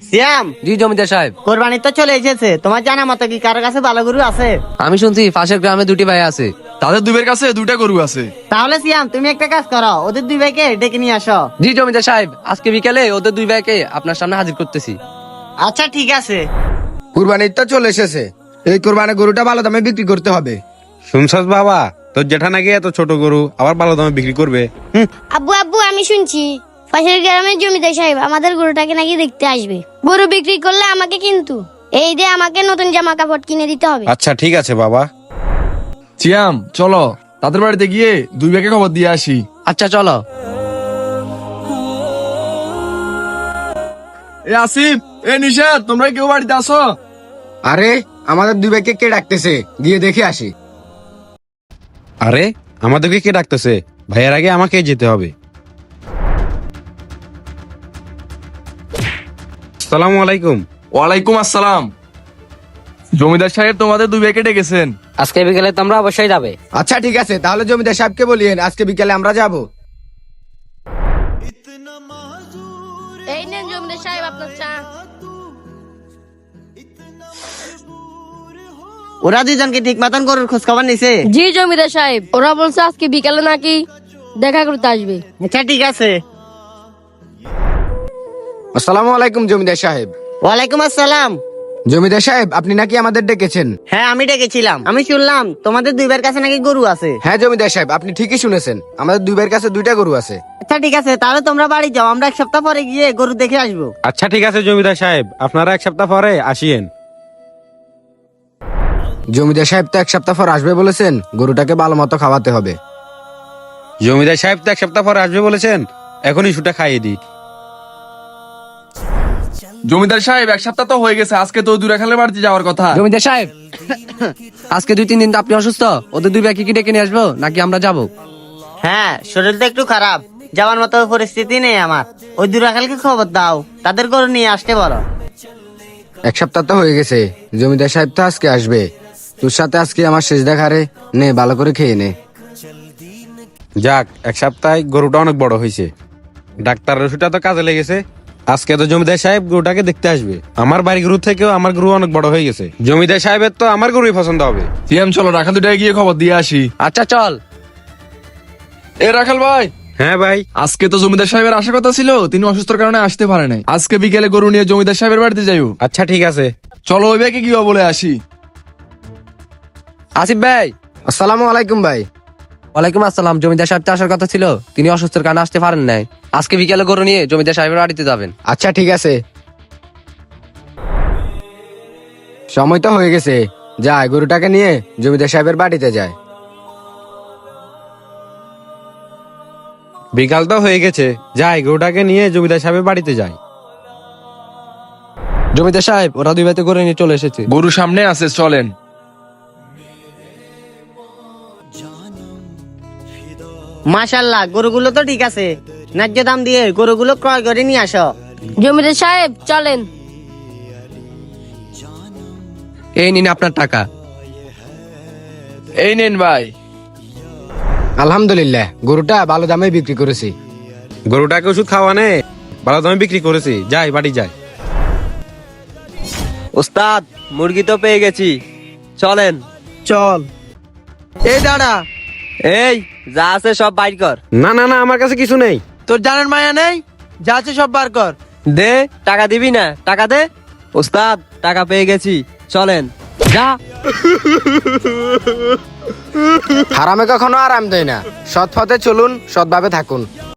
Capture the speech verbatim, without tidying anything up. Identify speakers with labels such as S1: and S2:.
S1: সিয়াম।
S2: জি জমিদার সাহেব।
S1: কোরবানি তো চলে এসেছে, তোমার জানা মতো কি কারোর কাছে ভালো গরু আছে?
S2: আমি শুনছি পাশের গ্রামে দুটি ভাই আছে।
S3: তাদের দুই ভাইয়ের কাছে দুইটা গরু আছে।
S1: তাহলে সিয়াম তুমি একটা কাজ করো, ওদের দুই ভাইকে ডেকে নিয়ে আসো।
S2: জি জমিদার সাহেব, আজকে বিকেলে ওদের দুই ভাইকে আপনার সামনে হাজির করতেছি।
S1: আচ্ছা ঠিক আছে।
S4: কুরবানির তো চলে এসেছে, এই কুরবানি গরুটা ভালো দামে বিক্রি করতে হবে।
S5: শুনছস বাবা, তোর জেঠা নাকি এত ছোট গরু আবার ভালো দামে বিক্রি করবে। হুম,
S6: আব্বু আব্বু আমি শুনছি পাশের গ্রামের জমিদার সাহেব আমাদের গরুটাকে নাকি দেখতে আসবে। গরু বিক্রি করলে আমাকে কিন্তু এই দিয়ে আমাকে নতুন জামা কাপড় কিনে দিতে হবে।
S5: আচ্ছা ঠিক আছে বাবা।
S3: সিয়াম চলো তাদের বাড়িতে গিয়ে দুই ভাইকে খবর দিয়ে আসি।
S2: আচ্ছা চলো।
S3: এ আসিফ, এ নিশাদ, তোমরা কেউ বাড়িতে আসো?
S4: আরে আমাদের দুই ভাইকে কে ডাকতেছে, গিয়ে দেখে আসি।
S5: আরে আমাদেরকে কে ডাকতেছে? ভাইয়ের আগে আমাকে যেতে হবে। আসসালামু আলাইকুম।
S3: ওয়ালাইকুম আসসালাম। জমিদার সাহেব তোমাদের দুই ভাইকে ডেকেছেন।
S2: আজকে বিকেলে তোমরা অবশ্যই যাবে।
S4: আচ্ছা ঠিক আছে, তাহলে জমিদার সাহেবকে বলিয়েন আজকে বিকেলে আমরা যাব।
S6: এই নেন জমিদার সাহেব আপনার চা।
S1: ওরা দুইজনকে ঠিক মতন গরুর খোঁজ খবর নিছে?
S6: জি জমিদার সাহেব, ওরা বলছে আজকে বিকালে নাকি দেখা করতে আসবে।
S1: আচ্ছা ঠিক আছে।
S4: আসসালামু আলাইকুম জমিদার সাহেব।
S1: ওয়ালাইকুম আসসালাম।
S4: জমিদার সাহেব আপনি নাকি আমাদের ডেকেছেন?
S1: হ্যাঁ আমি ডেকেছিলাম, আমি শুনলাম তোমাদের দুই ভাইয়ের কাছে নাকি গরু আছে।
S4: হ্যাঁ জমিদার সাহেব, আপনি ঠিকই শুনেছেন, আমাদের দুই ভাইয়ের কাছে দুইটা গরু আছে।
S1: আচ্ছা ঠিক আছে, তাহলে তোমরা বাড়ি যাও, আমরা এক সপ্তাহ পরে গিয়ে গরু দেখে আসবো।
S5: আচ্ছা ঠিক আছে জমিদার সাহেব, আপনারা এক সপ্তাহ পরে আসিয়েন।
S4: জমিদার সাহেব তো এক সপ্তাহ পর আসবে বলেছেন, গরুটাকে ভালো মতো খাওয়াতে হবে।
S5: জমিদার সাহেব তো এক সপ্তাহ পরে আসবে বলেছেন, এখনই শুটা খাইয়ে দিই।
S3: জমিদার সাহেব এক সপ্তাহ তো হয়ে গেছে, আজকে তো দুই রাখালের বাড়িতে যাওয়ার কথা।
S2: জমিদার সাহেব, আজকে দুই তিন দিন তো আপনি অসুস্থ, ওদের দুই ভাইকে কি ডেকে নিয়ে আসবো নাকি আমরা যাব?
S1: হ্যাঁ শরীরটা একটু খারাপ, যাওয়ার মতো পরিস্থিতি নেই আমার। ওই দুই রাখালকে খবর দাও, তাদের গরু নিয়ে আসতে বলো।
S4: এক সপ্তাহ তো হয়ে গেছে, জমিদার সাহেব তো আজকে আসবে। তোর সাথে আজকে আমার শেষ দেখা রে, নে ভালো করে খেয়ে নে।
S5: যাক, এক সপ্তাহে গরুটা অনেক বড় হয়েছে, ডাক্তারের ওষুধটা তো কাজে লেগেছে। আজকে তো জমিদার সাহেব গরুটাকে দেখতে আসবে। আমার বাড়ি গরু থেকেও আমার গরু অনেক বড় হয়ে গেছে, জমিদার সাহেবের তো আমার গরুই পছন্দ হবে।
S3: সিয়াম চলো রাখাল দুটাকে গিয়ে খবর দিয়ে আসি।
S2: আচ্ছা চল।
S3: এ রাখাল ভাই,
S5: হ্যাঁ ভাই।
S3: আজকে তো জমিদার সাহেবের আসার কথা ছিল, তিনি অসুস্থর কারণে আসতে পারে নাই। আজকে বিকেলে গরু নিয়ে জমিদার সাহেবের বাড়িতে যাইও।
S5: আচ্ছা ঠিক আছে।
S3: চলো ওই ভাইকে কি বলে আসি।
S2: আসিফ ভাই।
S4: আসসালামু আলাইকুম ভাই।
S2: ওয়ালাইকুম আসসালাম। জমিদার সাহেব তো আসার কথা ছিল, তিনি অসুস্থের কারণে আসতে পারেন নাই। আজকে বিকেলে গরু নিয়ে জমিদার সাহেবের বাড়িতে যাবেন।
S4: আচ্ছা ঠিক আছে, সময় তো হয়ে গেছে, যায় গরুটাকে নিয়ে জমিদার সাহেবের বাড়িতে যায়।
S5: বিকাল তো হয়ে গেছে, যাই গরুটাকে নিয়ে জমিদার সাহেবের বাড়িতে যাই।
S2: জমিদার সাহেব, ওরা দুই ভাইতে গরু নিয়ে চলে এসেছে।
S3: গরু সামনে আছে, চলেন।
S1: মাশাল্লাহ, গরুগুলো তো ঠিক আছে, ন্যায্য দাম দিয়ে গরুগুলো ক্রয় করে নিয়ে আসো।
S6: জমিদার সাহেব চলেন।
S2: এই নিন আপনার টাকা।
S3: এই নেন ভাই।
S4: আলহামদুলিল্লাহ, গরুটা ভালো দামে বিক্রি করেছি।
S5: গরুটাকে ওষুধ খাওয়ানে ভালো দামে বিক্রি করেছি, যাই বাড়ি যাই।
S2: ওস্তাদ, মুরগি তো পেয়ে গেছি, চলেন।
S1: চল। এই দাঁড়া,
S2: এই যা আছে সব বাইর কর।
S5: না না না, আমার কাছে কিছু নেই।
S1: তোর জানার মায়া নেই, যা আছে সব বার কর।
S2: দে, টাকা দিবি না? টাকা দে। ওস্তাদ, টাকা পেয়ে গেছি, চলেন। যা।
S4: হারামে কখনো আরাম দেয় না, সৎ পথে চলুন, সৎভাবে থাকুন।